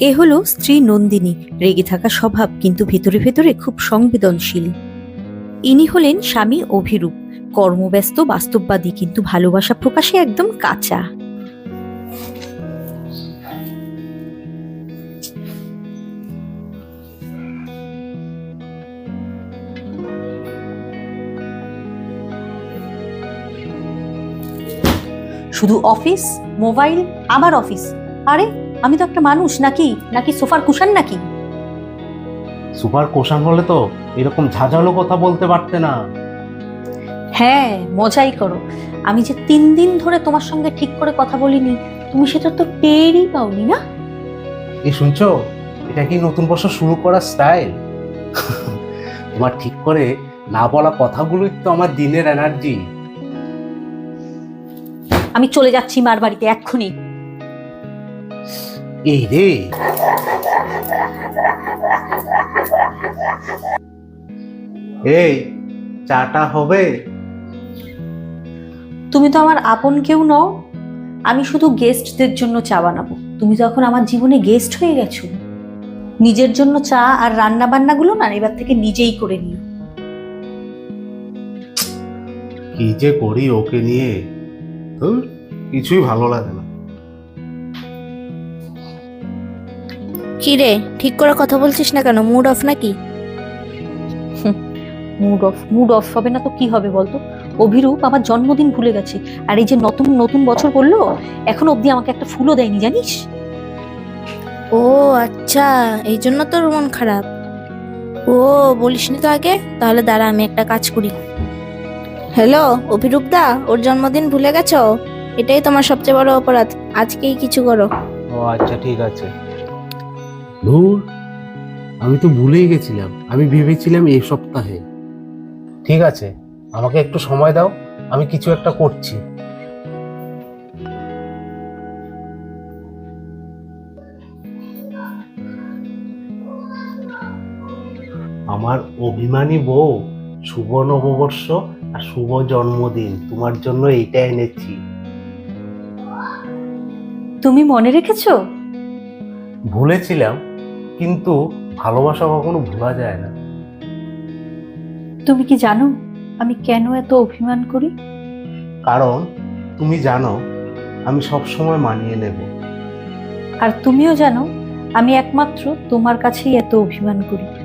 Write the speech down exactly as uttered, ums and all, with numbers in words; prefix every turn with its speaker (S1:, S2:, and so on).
S1: এ হলো স্ত্রী নন্দিনী, রেগে থাকা স্বভাব কিন্তু ভেতরে ভেতরে খুব সংবেদনশীল। ইনি হলেন স্বামী অভিরূপ, কর্মব্যস্ত বাস্তববাদী কিন্তু ভালোবাসা প্রকাশে একদম কাঁচা। শুধু অফিস, মোবাইল, আবার অফিস। আরে আমি তো একটা মানুষ নাকি নাকি সোফার কুশান নাকি?
S2: সুপার কোশান হলে তো এরকম ঝাঁঝালো কথা বলতে পারতে না।
S1: হ্যাঁ, মজাই করো। আমি যে তিন দিন ধরে তোমার সঙ্গে ঠিক করে কথা বলিনি, তুমি সেটা তো টেরই পাওনি না?
S2: এই শুনছো, এটা কি নতুন বছর শুরু করার স্টাইল? তোমার ঠিক করে না বলা কথাগুলোই তো আমার দিনের এনার্জি।
S1: আমি চলে যাচ্ছি মার বাড়িতে এক্ষুনি।
S2: এই রে, এই চাটা হবে?
S1: তুমি তো আমার আপন কেউ নও। আমি শুধু গেস্টদের জন্য চা বানাবো। তুমি তো এখন আমার জীবনে গেস্ট হয়ে গেছো। নিজের জন্য চা আর রান্না বান্নাগুলো না এবার থেকে নিজেই করে নিও।
S2: কি যে করি ওকে নিয়ে, ধুর, কিছুই ভালো লাগে না।
S3: কি রে, ঠিক করে কথা বলছিস না কেন? মুড অফ নাকি?
S1: মুড অফ মুড অফ হবে না তো কি হবে বলতো? অভিরূপ আমার জন্মদিন ভুলে গেছে, আর এই যে নতুন নতুন বছর পড়লো, এখনো অব্দি আমাকে একটা ফুলও দেয়নি, জানিস?
S3: ও আচ্ছা, এই জন্য তোর মন খারাপ। ও বলিসনি তো আগে। তাহলে দাঁড়া, আমি একটা কাজ করি। হ্যালো অভিরূপ দা, ওর জন্মদিন ভুলে গেছো? এটাই তোমার সবচেয়ে বড় অপরাধ। আজকেই কিছু করো।
S2: ও আচ্ছা, ঠিক আছে। ধুর, আমি তো ভুলেই গেছিলাম। আমি ভেবেছিলাম এই সপ্তাহে। ঠিক আছে, আমাকে একটু সময় দাও, আমি কিছু একটা করছি। আমার অভিমানী বউ, শুভ নববর্ষ আর শুভ জন্মদিন, তোমার জন্য এইটা এনেছি।
S1: তুমি মনে রেখেছো?
S2: ভুলেছিলাম, কিন্তু ভালোবাসা কখনো ভোলা যায় না।
S1: তুমি কি জানো আমি কেন এত অভিমান করি?
S2: কারণ তুমি জানো আমি সব সময় মানিয়ে নেব।
S1: আর তুমিও জানো আমি একমাত্র তোমার কাছেই এত অভিমান করি।